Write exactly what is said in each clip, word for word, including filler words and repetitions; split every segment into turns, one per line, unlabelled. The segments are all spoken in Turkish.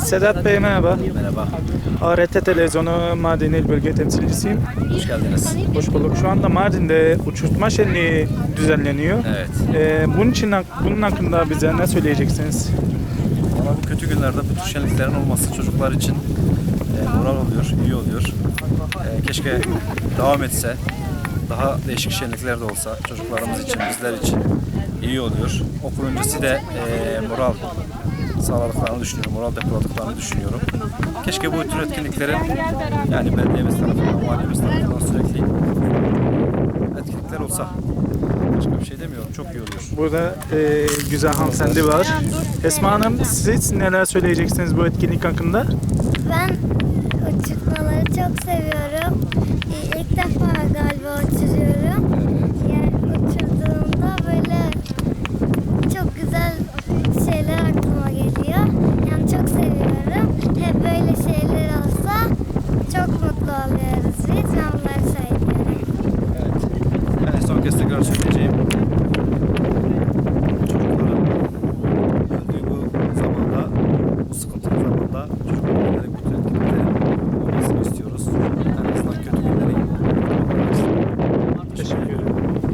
Sedat Bey merhaba.
Merhaba,
A R T Televizyonu Mardin İl Bölge Temsilcisiyim.
hoş geldiniz.
Hoş bulduk. Şu anda Mardin'de uçurtma şenliği düzenleniyor.
Evet.
Ee, bunun için bunun hakkında bize ne söyleyeceksiniz?
Ama bu kötü günlerde bu tür şenliklerin olması çocuklar için e, moral oluyor, iyi oluyor. E, keşke devam etse, daha değişik şenlikler de olsa çocuklarımız için, bizler için iyi oluyor. Okul öncesi de e, moral sağladıklarını düşünüyorum, moral depoladıklarını düşünüyorum. Keşke bu tür etkinliklerin yani belediyemiz tarafından, valimiz tarafından sürekli etkinlikler olsa. Başka bir şey demiyorum, çok iyi oluyor.
Burada e, güzel hanımefendi var. Esma Hanım, siz neler söyleyeceksiniz bu etkinlik hakkında?
Ben uçurtmaları çok seviyorum. Ee, İlk defa galiba uçuruyorum. Yani uçurduğumda böyle çok güzel şeyler aklıma geliyor. Yani çok seviyorum. Hep böyle şeyler olsa çok mutlu oluyoruz biz. Ben bunları söylüyorum.
Evet. Yani son kez tekrar söyleyeceğim. Çocukların öldüğü bu zamanda, bu sıkıntılı zamanda çocukların giderek bütün etkinliklerin olmasını istiyoruz. En azından kötü günleri
Teşekkür ederim.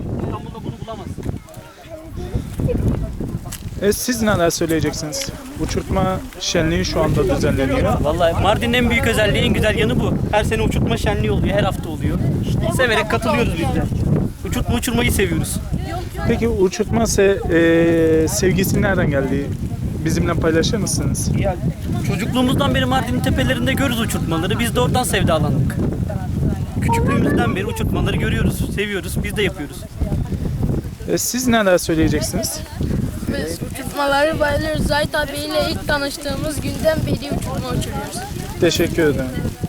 E, siz neler söyleyeceksiniz? Uçurtma şenliği şu anda düzenleniyor.
Vallahi Mardin'in en büyük özelliği, en güzel yanı bu. Her sene uçurtma şenliği oluyor, her hafta oluyor. Severek katılıyoruz biz de. Uçurtma uçurmayı seviyoruz.
Peki uçurtma se e, sevgisi nereden geldi? Bizimle paylaşır mısınız?
Ya, çocukluğumuzdan beri Mardin'in tepelerinde görürüz uçurtmaları. Biz de oradan sevdalandık. Küçüklüğümüzden beri uçurtmaları görüyoruz, seviyoruz, biz de yapıyoruz.
E, siz neler söyleyeceksiniz?
Biz uçurtmaları bayılıyoruz. Zahit abiyle ilk tanıştığımız günden beri uçurtma uçuruyoruz.
Teşekkür ederim.